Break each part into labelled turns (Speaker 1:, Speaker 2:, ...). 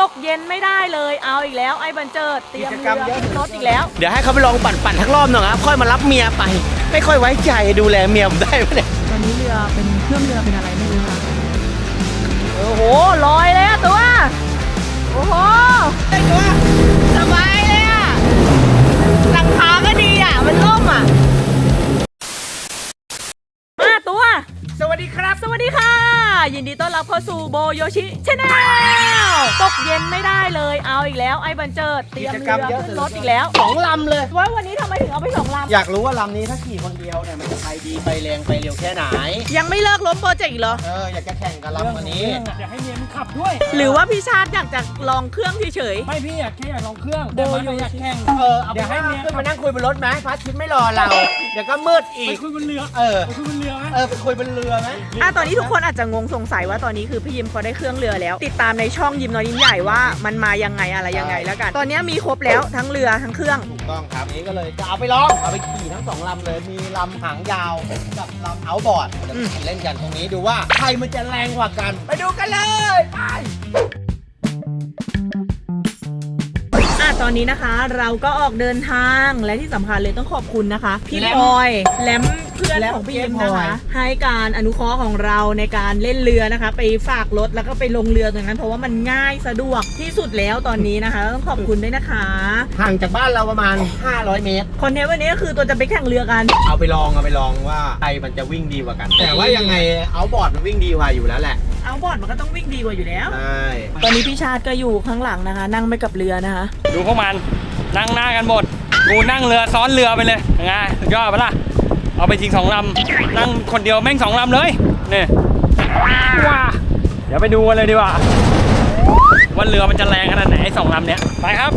Speaker 1: กเย็นไม่ได้เลยเอาอีกแล้วไอ้บันเจิดเตรียมเรือรถอีกแล้ว
Speaker 2: เดี๋ยวให้เขาไปลองปั่นทั้งรอบหน่อยครับค่อยมารับเมียไปไม่ค่อยไว้ใจดูแลเมียผมได้ไหมเนี่ย
Speaker 1: ตอนนี้เรือเป็นเครื่องเรือเป็นอะไรไม่รู้ค่ะโอ้โหลอยเลยอะตัวโอ้โหไอ้ตัวสบายเลยอะหลังคาก็ดีอะมันล่มอะมาตัวสวัสดีครับสวัสดีค่ะยินดีต้อนรับเข้าสู่โบโยชิชาแนลตกเย็นไม่ได้เลยเอาอีกแล้วไอ้บันเจิดเตรียมเรือขึ้นรถอีกแล้ว
Speaker 2: 2 ลำเลย
Speaker 1: ว่าวันนี้ทำไมถึงเอาไป2 ลำ
Speaker 2: อยากรู้ว่าลำนี้ถ้าขี่คนเดียวเนี่ยมันจะไปดีไปแรงไปเร็วแค่ไหน
Speaker 1: ยังไม่เลิกล้มโปรเจกต์อีกเหรอ
Speaker 2: อยากจะแข่งกับลำวันนี้
Speaker 3: อยากให้เมียมันขับด้วย
Speaker 1: หรือว่าพี่ชาติอยากจะลองเครื่องเฉย
Speaker 3: ไม่พี่อยากลองเครื่องแต่มันไม่อยากแข่ง
Speaker 2: เดี๋ยวให้เมียขึ้นมานั่งคุยบนรถไหมพระอาทิตย์ไม่รอเราเดี๋ยวก็มืดอีก
Speaker 3: ไปคุยบนเรือไปคุยบนเรือไหม
Speaker 2: ไปคุยบนเรือไหม
Speaker 1: ตอนนี้ทุกคนอาจจะงงสงสัยว่าตอนนี้คือพี่ยิมเขาได้เครื่องเรือแล้วติดตามในช่องยิมน้อยยิมใหญ่ว่ามันมายังไงอะไรยังไงแล้วกันตอนนี้มีครบแล้วทั้งเรือทั้งเครื่อง
Speaker 2: ถูกต้องครับนี้ก็เลยจะเอาไปลองเอาไปขี่ทั้ง2 ลำเลยมีลำหางยาวกับลำเอาท์บอร์ดเดี๋ยวเล่นกันตรงนี้ดูว่าใครมันจะแรงกว่ากันไปดูกันเลยไป
Speaker 1: ตอนนี้นะคะเราก็ออกเดินทางและที่สำคัญเลยต้องขอบคุณนะคะพี่พลอยแลมเพื่อนของพี่ยิมนะคะให้การอนุเคราะห์ของเราในการเล่นเรือนะคะไปฝากรถแล้วก็ไปลงเรือตรงนั้นเพราะว่ามันง่ายสะดวกที่สุดแล้วตอนนี้นะคะต้องขอบคุณด้วยนะคะ
Speaker 2: ห่างจากบ้านเราประมาณ500 เมตร
Speaker 1: คอนเทนต์วันนี้ก็คือตัวจะไปแข่งเรือกัน
Speaker 2: เอาไปลองว่าใครมันจะวิ่งดีกว่ากันแต่ว่ายังไงเอาบอร์ดมันวิ่งดีกว่าอยู่แล้วแหละ
Speaker 1: เอาบอร์ดมันก็ต้องวิ่งดีกว่าอยู่แล้ว
Speaker 2: ใช่
Speaker 1: ตอนนี้พี่ชาติก็อยู่ข้างหลังนะคะนั่งไปกับเรือนะคะ
Speaker 3: ดูพวกมันนั่งหน้ากันหมดกูนั่งเรือซ้อนเรือไปเลยยังไงสุดยอดปะล่ะเอาไปทิ้ง2 ลำนั่งคนเดียวแม่ง2 ลำเลยนี่ว้าเดี๋ยวไปดูกันเลยดีกว่าว่าเรือมันจะแรงขนาดไหนไอ้2 ลำเนี้ยไปครับ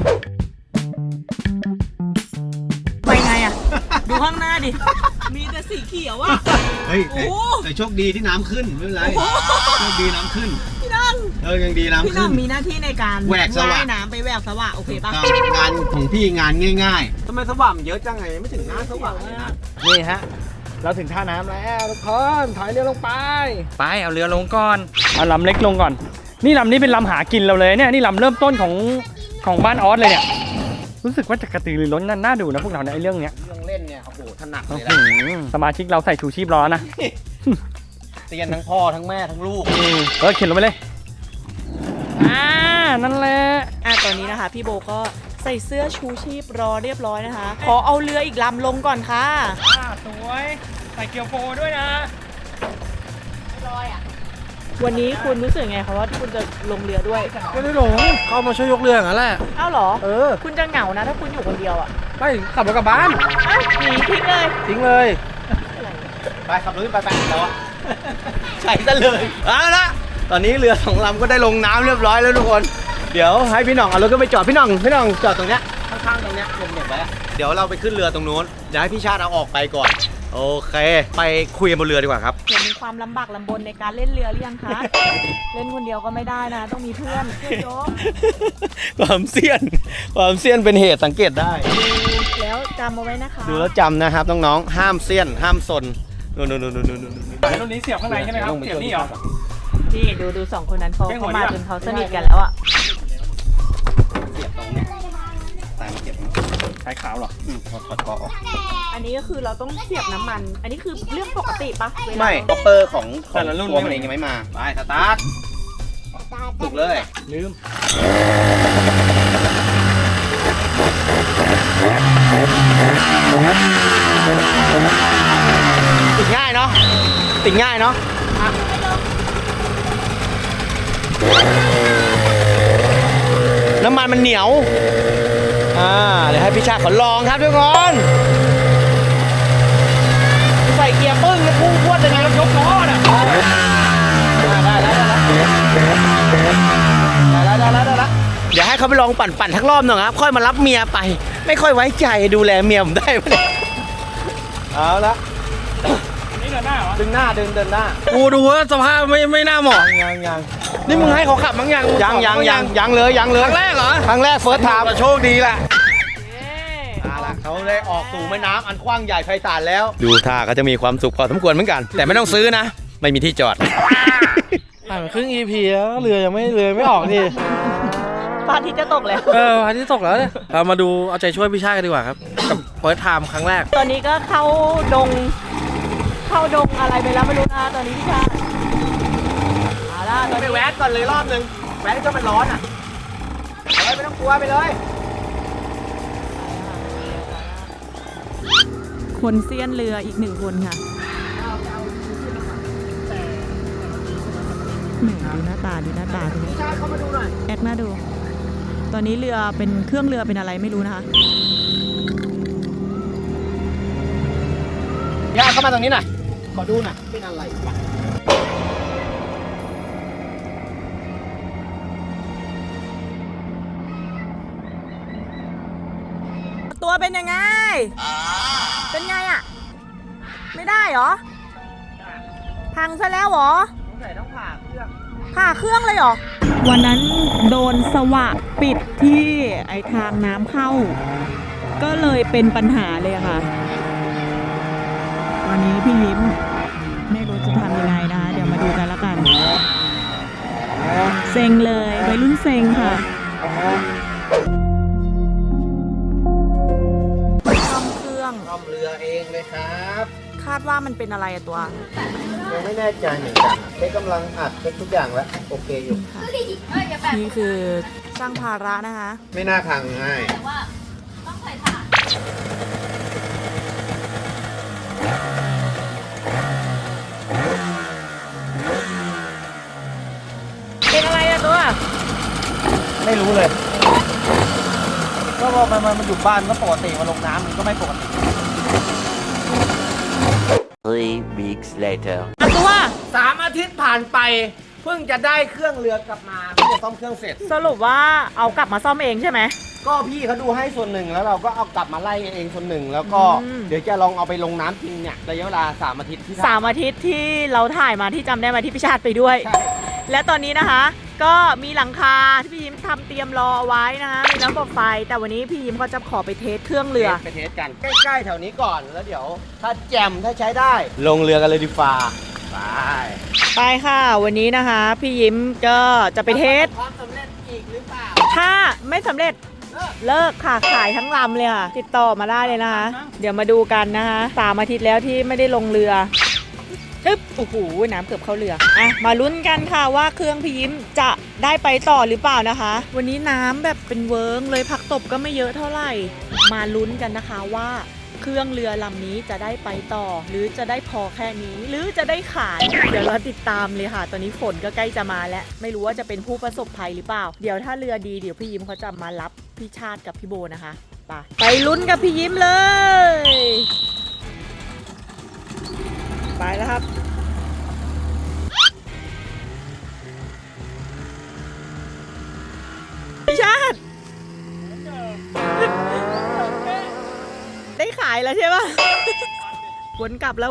Speaker 1: ไปไงอ่ะดูข้างหน้าดิมีแต่สีเขียวอ่ะ
Speaker 2: เฮ้ยแต่โชคดีที่น้ำขึ้นไม่เป็นไรโชคดีน้ำขึ้น
Speaker 1: พี่น้อง
Speaker 2: ยังดีน้ำขึ้น
Speaker 1: พี่น้องมีหน้าที่ในการ
Speaker 2: แหวกสว่าง
Speaker 1: น้ำไปแหวกสว่างโอเคป่ะ
Speaker 2: งานของพี่งานง่ายๆทำไมสว่างเยอะจังไงไม่ถึงหน้าสว่างเลยนะนี่ฮะเราถึงท่าน้ำแล้วทุกคนถอยเรือลงไป
Speaker 3: เอาเรือลงก่อนเอาลำเล็กลงก่อนนี่ลำนี้เป็นลำหากินเราเลยเนี่ยนี่ลำเริ่มต้นของบ้านออสเลยเนี่ยรู้สึกว่าจะกระตือรือร้นน่าดูนะพวกเราในเรื่องเนี้ย
Speaker 2: เล่นเนี่ยโอ้โหถนัดเลยนะ
Speaker 3: สมาชิกเราใส่ชูชีพล้อนะ
Speaker 2: เตียนทั้งพ่อทั้งแม่ทั้งลูก
Speaker 3: เข็นลงไปเลยนั่นแหละ
Speaker 1: ตอนนี้นะคะพี่โบก็ใส่เสื้อชูชีพรอเรียบร้อยนะคะขอเอาเรืออีกลำลงก่อนค่ะ
Speaker 3: สวยใส่เกียวโฟด้วยนะ
Speaker 1: ไม่ลอยวันนี้คุณรู้สึกไงคะว่าคุณจะลงเรือด้วย
Speaker 2: ไม่ได้หลงเข้ามาช่วยยกเรืออย่างนั้นแหละ
Speaker 1: อ้าวเหรอคุณจะเหงานะถ้าคุณอยู่คนเดียว
Speaker 2: ไม่ขับรถกลับบ้าน
Speaker 1: หนีทิ้ง
Speaker 2: เลยไปขับรถไปแล้วใช่ซะเลยเอาละตอนนี้เรือ2 ลำก็ได้ลงน้ำเรียบร้อยแล้วทุกคนเดี๋ยวให้พี่หน่องเอารถก็ไปจอดพี่หน่องจอดตรงเนี้ยข้างๆตรงเนี้ยเด็กๆไว้เดี๋ยวเราไปขึ้นเรือตรงนู้นเดี๋ยวให้พี่ชาติเอาออกไปก่อนโอเคไปคุยกันบนเรือดีกว่าครับ
Speaker 1: มีความลำบากลำบนในการเล่นเรือหรือยังคะเล่นคนเดียวก็ไม่ได้นะต้องมีเพื่อนโยก
Speaker 2: ความเสี่ยงเป็นเหตุสังเกตได้
Speaker 1: แล้วจำเอาไว้นะคะ
Speaker 2: ดูแล้วจำนะครับน้องๆห้ามเสี่ยงห้ามซนนู่น
Speaker 3: รุ่นนี้เสียบข้างในใช่ไหมครับเสียบนี่เหรอ
Speaker 1: พี่ดู2 คนนั้นเขามาจนเขาสนิทกันแล้ว
Speaker 2: เสียบตรงนี้แต่มาเก็บ
Speaker 3: ใช้ขาวหรอ
Speaker 2: ถอดกอออก
Speaker 1: อันนี้ก็คือเราต้องเสียบน้ำมันอันนี้คือเรื่องปกติปะ
Speaker 2: ไม่คอปเปอร์ของแต่ละรุ่นมันเองยังไม่มาไปสตาร์ทถูกเลย
Speaker 3: ลืม
Speaker 2: ติดง่ายเนาะน้ำมันมันเหนียวเดี๋ยวให้พี่ชาติขอลองครับทุกคนใส่เกียร์ปึ้งแล้วพุ่งพรวดยังไงแล้วยกล้อน่ะได้เดี๋ยวให้เขาไปลองปั่นทั้งรอบหน่อยครับค่อยมารับเมียไปไม่ค่อยไว้ใจดูแลเมียผมได้ไหมเอาละ
Speaker 3: นี่เดินหน้าเหรอ
Speaker 2: เดินหน้ากูดูว่าสภาพไม่น่าเหมาะยังนี่มึงให้เขาขับมั้งยังเลยครั้งแรกเหรอครั้งแรกเฟิร์สไทม์โชคดีแหละเขาได้ออกสู่แม่น้ำอันกว้างใหญ่ไพศาลแล้วดูท่าก็จะมีความสุขพอสมควรเหมือนกันแต่ไม่ต้องซื้อนะไม่มีที่จอด
Speaker 4: ผ่านมาครึ่ง EP แล้วเรือยังไม่ออกดิ
Speaker 1: พระอาทิตย์จะตกแล้ว
Speaker 4: อาทิตย์ตกแล้วเนี่ยเรามาดูเอาใจช่วยพี่ชาติกันดีกว่าครับ กับเฟิร์สไทม์ครั้งแรก
Speaker 1: ตอนนี้ก็เข้าดงอะไรไปแล้วไม่รู้นะตอนนี้พี่ชาติเอาล่ะตอน
Speaker 2: ไป
Speaker 1: นี้
Speaker 2: แวะก่อนเลยรอบนึงแวะก็มันร้อนอ่ะไม่ต้องกลัวไปเลย
Speaker 1: คนเซียนเรืออีกหนึ่งคนค่ะแหมดูหน้าตาทีนี้
Speaker 2: ชาติเข้ามาดูหน่อย
Speaker 1: แอคหน้าดู ตอนนี้เรือเป็นเครื่องเรือเป็นอะไรไม่รู้นะคะ
Speaker 2: ย่าเข้ามาตรงนี้หน่อยขอดูหน่อยเป็นอะไรวะ
Speaker 1: ตัวเป็นยังไง เป็นไงอ่ะ ไม่ได้เหรอ พังซะแล้วเหรอ
Speaker 2: สงสัยต้องผ่าเครื่อง
Speaker 1: ผ่าเครื่องเลยเหรอ วันนั้นโดนสวะปิดที่ไอทางน้ำเข้า ก็เลยเป็นปัญหาเลยค่ะ วันนี้พี่ยิ้มไม่รู้จะทำยังไงนะคะ เดี๋ยวมาดูกันแล้วกัน เซ็งเลยวัยรุ่นเซ็งค่ะซ่อมเครื่อง
Speaker 2: ซ่อมเรือเองเลยครับ
Speaker 1: คาดว่ามันเป็นอะไรอะตัว
Speaker 2: ยังไม่แน่ใจเหมือนกันเช็คกำลังอัดเช็คทุกอย่างแล้วโอเคอยู่
Speaker 1: นี่คือสร้างภาระนะคะ
Speaker 2: ไม่น่าพังง่าย
Speaker 1: เป็นอะไรอะตัว
Speaker 2: ไม่รู้เลย ก็พอมันอยู่บ้านก็ปกติมาลงน้ำมันก็ไม่ปกติ
Speaker 5: 3 weeks later.
Speaker 1: อะตัว
Speaker 2: 3 อาทิตย์ผ่านไป เพิ่งจะได้เครื่องเรือกลับมาเพิ่งจะซ่อมเครื่องเสร็จ
Speaker 1: สรุปว่าเอากลับมาซ่อมเองใช่ไหม
Speaker 2: ก็พี่เขาดูให้ส่วนหนึ่งแล้วเราก็เอากลับมาไล่เองส่วนหนึ่งแล้วก็
Speaker 1: อืม
Speaker 2: เดี๋ยวจะลองเอาไปลงน้ำจริงเนี่ยระยะเวลา3 อาทิตย์ที่
Speaker 1: 3 อาทิตย์ที่เราถ่ายมาที่จำได้มาที่พิชาติไปด้วย
Speaker 2: ใช่
Speaker 1: และตอนนี้นะคะ ก็มีหลังคาที่พี่ยิ้มทำเตรียมรอเอาไว้นะคะมีน้ำบบไฟ แต่วันนี้พี่ยิ้มก็จะขอไปเทสเครื่องเรือ
Speaker 2: ไปเทสกันใกล้ๆแถวนี้ก่อนแล้วเดี๋ยว ถ้าแจมถ้าใช้ได้ ลงเรือกันเลยดีฟ้าไป
Speaker 1: ไปค่ะ วันนี้นะคะ พี่ยิ้มก็จะไปเทส
Speaker 2: ความสำเร็จอีกหรือเปล่า
Speaker 1: ถ้าไม่สำเร็จเลิกค่ะขายทั้งลำเลยค่ะ ติดต่อมาได้เลยนะคะ เดี๋ยวมาดูกันนะคะ3 อาทิตย์แล้วที่ไม่ได้ลงเรืออึ๊บโอ้โหน้ำเกือบเข้าเรืออ่ะมาลุ้นกันค่ะว่าเครื่องพี่ยิ้มจะได้ไปต่อหรือเปล่านะคะ วันนี้น้ำแบบเป็นเวิร์งเลยผักตบก็ไม่เยอะเท่าไหร่ มาลุ้นกันนะคะว่าเครื่องเรือลำนี้จะได้ไปต่อ หรือจะได้พอแค่นี้ หรือจะได้ขายเดี๋ยวเราติดตามเลยค่ะ ตอนนี้ฝนก็ใกล้จะมาแล้วไม่รู้ว่าจะเป็นผู้ประสบภัยหรือเปล่า เดี๋ยวถ้าเรือดีเดี๋ยวพี่ยิ้มเขาจะมารับพี่ชาติกับพี่โบนะคะไปลุ้นกับพี่ยิ้มเลย ไปแล้วครับ พี่ชาติ ได้ขายแล้วใช่ปะ วนกลับแล้ว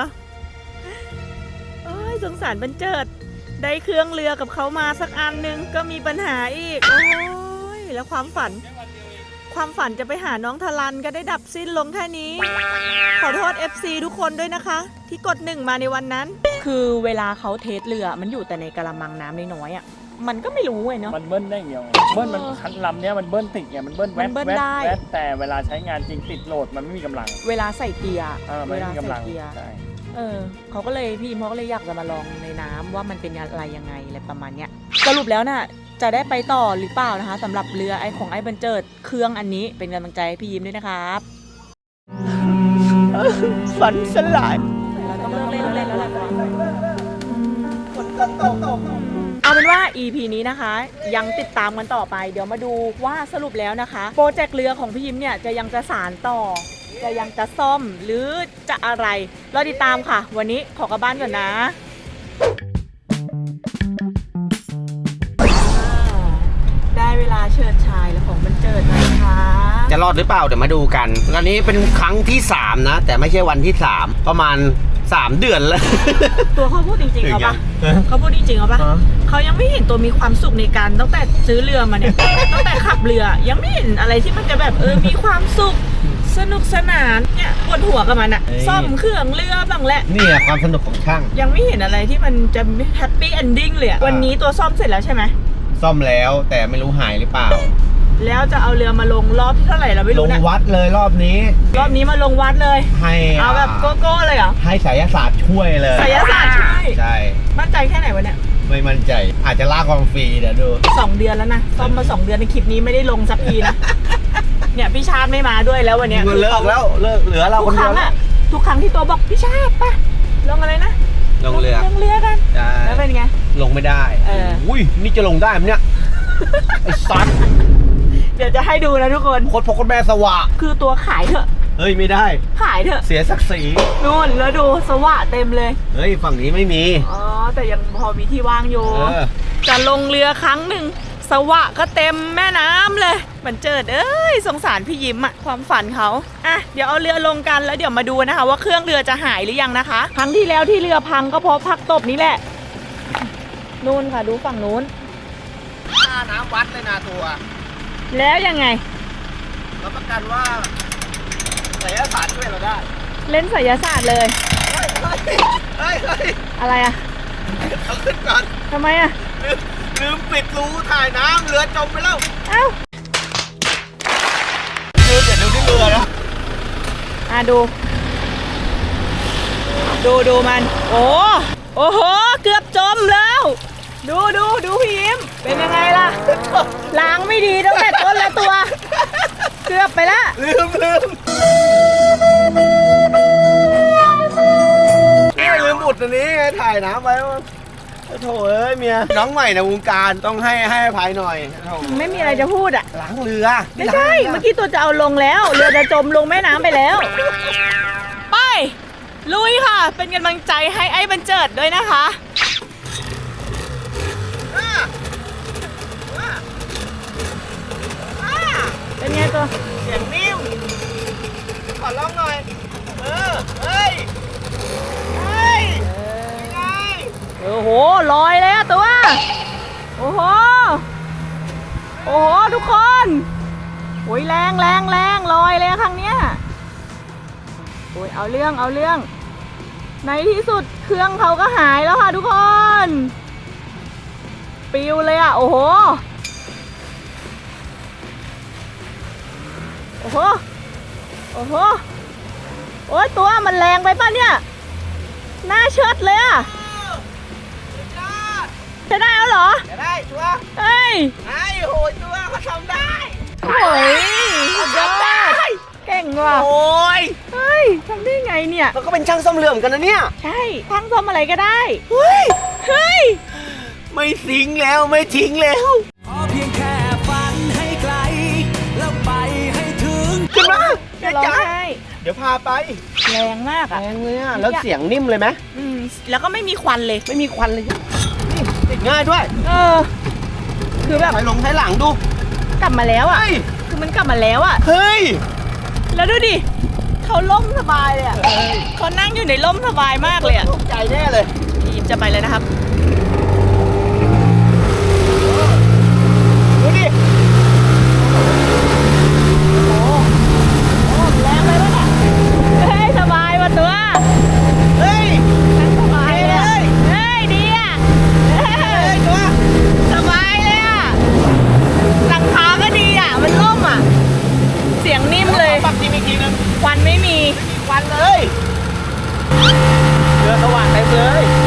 Speaker 1: โอ้ยสงสารบรรเจิด ได้เครื่องเรือกับเขามาสักอันนึงก็มีปัญหาอีก โอ้ยแล้วความฝันจะไปหาน้องทลันก็ได้ดับสิ้นลงแค่นี้ ขอโทษ FC ทุกคนด้วยนะคะ ที่กด1มาในวันนั้น คือเวลาเขาเทสเรือมันอยู่แต่ในกระมังน้ำน้อยๆอ่ะ มันก็ไม่รู้ไงเนาะ
Speaker 3: มันเบิ้ลได้อย่างเดียวเบิ้ลมันคันลำเนี้ยมันเบิ้ลติดไงมันเบิ้ลแว
Speaker 1: มันเบิ้ล
Speaker 3: ๊
Speaker 1: ได้
Speaker 3: แว๊บแต่เวลาใช้งานจริงติดโหลดมันไม่มีกำลัง
Speaker 1: เวลาใส่เกียร์
Speaker 3: มันไม่มีกำลัง
Speaker 1: เกียร์
Speaker 3: ใช่
Speaker 1: เขาก็เลยพี่เขาก็เลยอยากจะมาลองในน้ำว่ามันเป็นอะไรยังไงอะไรประมาณเนี้ยสรุปแล้วน่ะจะได้ไปต่อหรือเปล่านะคะสำหรับเรือของไอ้บรรเจิดเครื่องอันนี้เป็นกำลังใจให้พี่ยิ้มด้วยนะครับฝันสลายเราต้องเลิกเล่นแล้วแหละเอาเป็นว่า EP นี้นะคะ ยังติดตามกันต่อไป เดี๋ยวมาดูว่าสรุปแล้วนะคะโปรเจกต์เรือของพี่ยิ้มเนี่ยจะยังจะสานต่อ จะยังจะซ่อมหรือจะอะไรเราติดตามค่ะ วันนี้ขอกลับบ้านก่อนนะได้เวลาเชิดชายแล้วของบรรเจิดนะคะ
Speaker 2: จะรอดหรือเปล่าเดี๋ยวมาดูกันตอนนี้เป็นครั้งที่3นะแต่ไม่ใช่วันที่3ประมาณ3 เดือนแล้ว
Speaker 1: ตัวเขาพูดจริงๆเอาปะเขาพูดจริงๆเอาปะเขายังไม่เห็นตัวมีความสุขในการตั้งแต่ซื้อเรือมาเนี่ย ตั้งแต่ขับเรือยังไม่เห็นอะไรที่มันจะแบบมีความสุขสนุกสนานเนี่ยปวดหัวกับมันอะซ่อมเครื่องเรือบ้างแหละ
Speaker 2: นี่อะความสนุกของช่าง
Speaker 1: ยังไม่เห็นอะไรที่มันจะแฮปปี้เอนดิ้งเลยอะวันนี้ตัวซ่อมเสร็จแล้วใช่ไหม
Speaker 2: ซ่อมแล้วแต่ไม่รู้หายหรือเปล่า
Speaker 1: แล้วจะเอาเรือมาลงรอบที่เท่าไหร่เราไม่
Speaker 2: ล
Speaker 1: รู้
Speaker 2: ง
Speaker 1: นะ
Speaker 2: วัดเลยรอบนี้
Speaker 1: รอบนี้มาลงวัดเลย
Speaker 2: ให้
Speaker 1: เอาแบบโกโก้เลยเหรอ
Speaker 2: ให้ไสยศาสตร์ช่วยเลย
Speaker 1: ไสยศาสตร์ช่วย
Speaker 2: ใช่
Speaker 1: มั่นใจแค่ไหนวะเนี่ย
Speaker 2: ไม่มั่นใจ อาจจะลากความฟรีเดี๋ยวดู
Speaker 1: 2 เดือนแล้วนะซ่อมมา 2 เดือนในคลิปนี้ไม่ได้ลงสักทีนะ เนี่ยพี่ชาติไม่มาด้วยแล้ววันเนี้ย
Speaker 2: เลิกแล้วเลิกเหลือเรา
Speaker 1: ทุ
Speaker 2: ค
Speaker 1: ก
Speaker 2: น
Speaker 1: ค
Speaker 2: เดีย
Speaker 1: รั้
Speaker 2: ว
Speaker 1: ง
Speaker 2: แล้ว
Speaker 1: อะทุกครั้งที่ตัวบอกพี่ชาติป่ะลงอะไรนะ
Speaker 2: ลงเรือ
Speaker 1: ลงเรือกัน
Speaker 2: ใช่
Speaker 1: แล้วเป็นไง
Speaker 2: ลงไม่ได้
Speaker 1: เออ
Speaker 2: อุ้ยนี่จะลงได้ไหมเนี่ย ไอ้สัตว์
Speaker 1: เดี๋ยวจะให้ดูนะทุกคน
Speaker 2: โคตรพ่อโคตรแม่สวะ
Speaker 1: คือตัวขายเถอะ
Speaker 2: เฮ้ยไม่ได้
Speaker 1: ขายเถอะ
Speaker 2: เสียศักดิ์ศรี
Speaker 1: นู่นแล้วดูสว่ะเต็มเลย
Speaker 2: เฮ้ยฝั่งนี้ไม่มี
Speaker 1: อ๋อแต่ยังพอมีที่ว่างอยู่
Speaker 2: เออ
Speaker 1: จะลงเรือครั้งหนึ่งสวะก็เต็มแม่น้ำเลยมันเจิดเอ้ยสงสารพี่ยิ้มอะความฝันเขาอ่ะเดี๋ยวเอาเรือลงกันแล้วเดี๋ยวมาดูนะคะว่าเครื่องเรือจะหายหรือยังนะคะครั้งที่แล้วที่เรือพังก็เพราะพักตบนี้แหละนู่นค่ะดูฝั่งนู้น
Speaker 2: ค่าน้ำวัดเลยนะตัว
Speaker 1: แล้วยังไง
Speaker 2: รับประกันว่าไสยศาสตร์ช่วยเราได้
Speaker 1: เล่นไสยศาสตร์เลย
Speaker 2: เฮ้ยเฮ้ยเฮ้ยเฮ้ย
Speaker 1: อะไรอะ
Speaker 2: เอาขึ้นก่อน
Speaker 1: ทำไมอะ
Speaker 2: ลืมปิดรูถ่ายน้ำเรือจมไปแล้ว
Speaker 1: เอ้า
Speaker 2: เดี๋ยวดูที่เรือนะ
Speaker 1: อ่ะดูมันโอ้โหเกือบจมแล้ว ดูพี่ยิ้มเป็นยังไงล่ะล้างไม่ดีตั้งแต่ต้นละตัว เกือบไปละ
Speaker 2: ลืมนี่ลืมอุดอันนี้ไงถ่ายน้ำไว้ว่าโถ่เอ้ยเมียน้องใหม่ในวงการต้องให้อภัยหน่อยโถ่
Speaker 1: ไม่มีอะไรจะพูดอ่ะ
Speaker 2: ล้างเรือ
Speaker 1: ไม่ใช่เมื่อกี้ตัวจะเอาลงแล้วเรือจะจมลงแม่น้ำไปแล้วไปลุยค่ะ เป็นกำลังใจให้ไอ้บันเจิดด้วยนะคะ เป็นไงตัว
Speaker 2: เสียงนิ่มขอร้องหน่อยเฮ้ยยังไง
Speaker 1: โอ้โหลอยเลยอะตัวโอ้โหทุกคนโอ้ยแรงลอยเลยครั้งเนี้ยโอ้ยเอาเรื่องในที่สุดเครื่องเขาก็หายแล้วค่ะทุกคนปิวเลยอะโอ้โหโอ้ยตัวมันแรงไปป่ะเนี่ยหน้าเชิดเลยอะจะได้แล้วเหรอ
Speaker 2: จะได้ชัวร์
Speaker 1: เฮ้ย
Speaker 2: ไอ้โหตัวเขาทำได้
Speaker 1: โอ้ยสุดยอดเก่งว่ะ
Speaker 2: โอ้ย
Speaker 1: เฮ้ยทำได้ไงเนี่ย
Speaker 2: เราก็เป็นช่างซ่อมเรือเหมือนกันนะเนี่ย
Speaker 1: ใช่ทั้งซ่อมอะไรก็ได้
Speaker 2: เฮ้ย
Speaker 1: เฮ้ย
Speaker 2: ไม่ทิ้งแล้วไม่ทิ้งแล้ว
Speaker 6: ขอเพียงแค่ฝันให้ไกล แล้วไปให้ถึง
Speaker 2: ขึ้นมา
Speaker 1: จะร้องไห้
Speaker 2: เดี๋ยวพาไป
Speaker 1: แรงมาก
Speaker 2: แร
Speaker 1: อ่ะ
Speaker 2: งเลยอ่ะแล้วเสียงนิ่มเลยไหม
Speaker 1: แล้วก็ไม่มีควันเลย
Speaker 2: ไม่มีควันเลยนี่ติดง่ายด้วย
Speaker 1: คือแบบ
Speaker 2: ถอยหลังดู
Speaker 1: กลับมาแล้วอ่ะ
Speaker 2: เฮ้ย
Speaker 1: คือมันกลับมาแล้วอ่ะ
Speaker 2: เฮ้ย
Speaker 1: แล้วดูดิเขาล่มสบายเลยอ่ะเขานั่งอยู่ในล่มสบายมากเลยอ่ะ
Speaker 2: ตกใจแน่เลย
Speaker 1: พี่ยิ้มจะไปเลยนะครับ
Speaker 2: ดูดิ
Speaker 1: แรงไปปะเนี่ยเฮ้ยสบายว่ะตัว
Speaker 2: เฮ้ย
Speaker 1: นั่งสบายเลยอะเฮ้ยดีอ่ะเฮ้ย
Speaker 2: ตัว
Speaker 1: สบายเลยอ่ะหลังคาก็ดีอ่ะมันล่มอ่ะเสียงนิ่มเลย
Speaker 2: ปักทีอีกทีนึง
Speaker 1: ควันไม่มี
Speaker 2: ควันเลยเรือสว่างเต็มเลย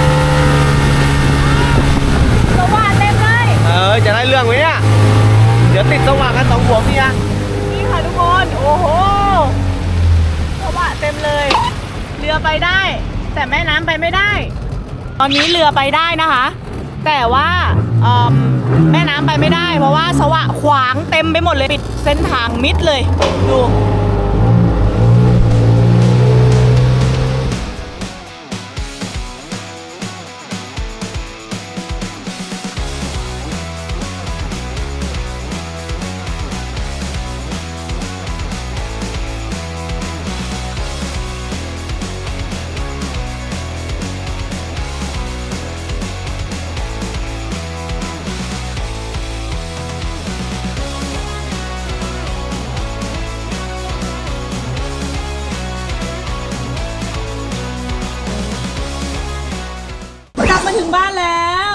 Speaker 1: สว่างเต็มเลย
Speaker 2: จะได้เรื่องไหมเนี่ยเดี๋ยวติดสว่างกันสองหัวเมีย
Speaker 1: นี่ค่ะทุกคน โอ้โหสว่างเต็มเลย เรือไปได้ แต่แม่น้ำไปไม่ได้ ตอนนี้เรือไปได้นะคะ แต่ว่าแม่น้ำไปไม่ได้ เพราะว่าสว่างขวางเต็มไปหมดเลยปิดเส้นทางมิดเลยดู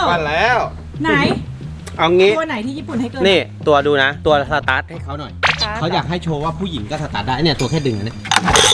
Speaker 2: ปั้นแล้ว
Speaker 1: ไหน
Speaker 2: เอางี้
Speaker 1: ตัวไหนที่ญี่ปุ่นให้เกิน
Speaker 2: นี่ตัวดูนะ ตัวสตาร์ทให้เขาหน่อยเขาอยากให้โชว์ว่าผู้หญิงก็สตาร์ทได้เนี่ยตัวแค่ดึงนะเนี่ย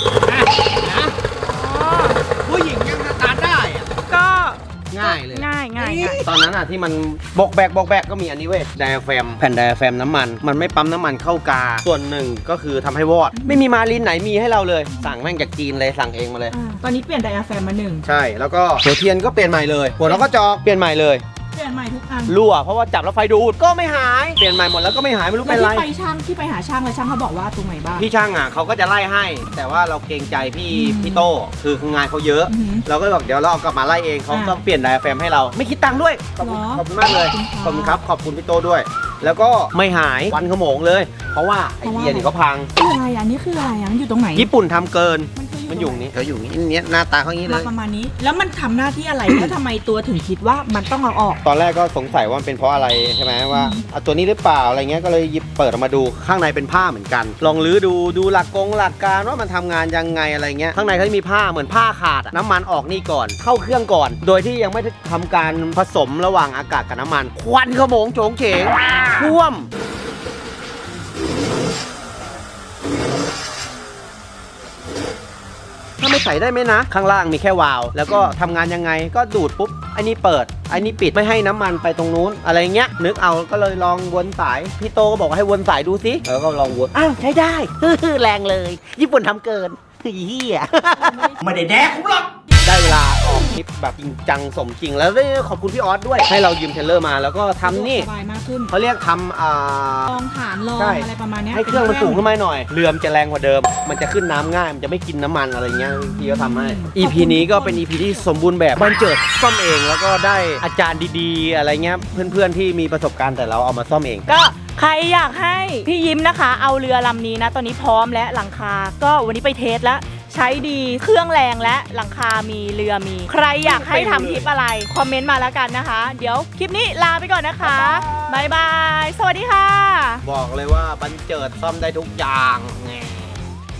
Speaker 2: ผู้หญิงยังสตาร์ทได้อะ
Speaker 1: ก็
Speaker 2: ง่ายเลย
Speaker 1: ง่าย
Speaker 2: ตอนนั้นอ่ะที่มันบอกแบกก็มีอันนี้เว้ยไดอะแฟมแผ่นไดอะแฟมน้ำมันไม่ปั๊มน้ำมันเข้ากาส่วนหนึ่งก็คือทำให้วอด ไม่มีมาลินไหนมีให้เราเลย สั่งแม่งจากจีนเลยสั่งเองมาเลย
Speaker 1: ตอนนี้เปลี่ยนไดอะแฟมมา1
Speaker 2: ใช่แล้วก็หัวเทียนก็เปลี่ยนใหม่เลยหัวเราก็จอกเปลี่ยนใหม่เลย
Speaker 1: เปลี่ยนใหม่ทุกอัน
Speaker 2: รั่วเพราะว่าจับแล้วไฟดูดก็ไม่หายเปลี่ยนใหม่หมดแล้วก็ไม่หายไม่รู้
Speaker 1: แล้ว
Speaker 2: เป็นไร
Speaker 1: ที่ไปช่างที่ไปหาช่างแล้วช่างเขาบอกว่าตรงไหนบ้าง
Speaker 2: พี่ช่างอ่ะเขาก็จะไล่ให้ แต่ว่าเราเกรงใจพี่โต้คืองานเขาเยอะ
Speaker 1: อือหือ
Speaker 2: เราก็บอกเดี๋ยวเราเอากลับมาไล่เองเขา
Speaker 1: อ่า
Speaker 2: ก็เปลี่ยนไดอะแฟมให้เราไม่คิดตังค์ด้วยขอบคุณ
Speaker 1: เหรอ
Speaker 2: ขอบคุณมากเลย
Speaker 1: ขอบคุณค่ะ
Speaker 2: ขอบคุณพี่โต้ด้วย แล้วก็ไม่หายวันขโมงเลย เพราะว่าไอเดียนี่เขาพัง
Speaker 1: คืออะไรอันนี้คืออะไรอันอยู่ตรงไหน
Speaker 2: ญี่ปุ่นทำเกิน
Speaker 1: มั
Speaker 2: มัน
Speaker 1: น
Speaker 2: อ
Speaker 1: อยู่ ยู่
Speaker 2: นี่เขาอยู่นี่หน้าตาเขาอย่างนี้เล
Speaker 1: มาย ประมาณนี้ แล้วมันทำหน้าที่อะไร แล้วทำไมตัวถึงคิดว่ามันต้องเอาออก
Speaker 2: ตอนแรกก็สงสัยว่ามันเป็นเพราะอะไรใช่ไหมว่าเอาตัวนี้หรือเปล่าอะไรเงี้ยก็เลยหยิบเปิดออกมาดูข้างในเป็นผ้าเหมือนกัน ลองลื้อดูหลักการว่ามันทำงานยังไงอะไรเงี้ยข้างในเขาจะมีผ้าเหมือนผ้าขาดอะน้ำมันออกนี่ก่อนเข้าเครื่องก่อน โดยที่ยังไม่ได้ทำการผสมระหว่างอากาศกับน้ำมันควันขโมงโฉงเฉงท่วม ถ้าไม่ใส่ได้ไหมนะ ข้างล่างมีแค่วาล์วแล้วก็ทำงานยังไงก็ดูดปุ๊บไอ้นี่เปิดไอ้นี่ปิดไม่ให้น้ำมันไปตรงนู้นอะไรเงี้ยนึกเอาก็เลยลองวนสายพี่โตก็บอกว่าให้วนสายดูสิแล้วก็ลองวนอ้าวใช้ได้ แรงเลย ญี่ปุ่นทำเกินเฮียไม่ได้แดกผมหรอกได้เวลาออกคลิปแบบจริงจังสมจริงแล้วได้ขอบคุณพี่ออสด้วยให้เรายืมเทรลเลอร์มาแล้วก็ทำนี่
Speaker 1: สบายมากขึ้น
Speaker 2: เขาเรียกทำ
Speaker 1: ลองฐานลอง
Speaker 2: ใช่
Speaker 1: อะไรประมาณเนี้ย
Speaker 2: ให้เครื่องมันสูงขึ้นมาหน่อย เรือมนจะแรงกว่าเดิม มันจะขึ้นน้ำง่าย มันจะไม่กินน้ำมันอะไรเงี้ยพี่ก็ทำให้ EP นี้ก็เป็น EP ที่สมบูรณ์แบบบันเจิดซ่อมเอง แล้วก็ได้อาจารย์ดีๆ อะไรเงี้ย เพื่อนๆที่มีประสบการณ์แต่เราเอามาซ่อมเอง
Speaker 1: ก็ใครอยากให้พี่ยิ้มนะคะ เอาเรือลำนี้นะ ตอนนี้พร้อมและหลังคา ก็วันนี้ไปเทสแล้ว ใช้ดีเครื่องแรงและหลังคามีเรือมี ใครอยากให้ทำคลิปอะไร คอมเมนต์มาแล้วกันนะคะ เดี๋ยวคลิปนี้ลาไปก่อนนะคะบ๊ายบาย สวัสดีค่ะ
Speaker 2: บอกเลยว่าบันเจิดซ่อมได้ทุกอย่างแง่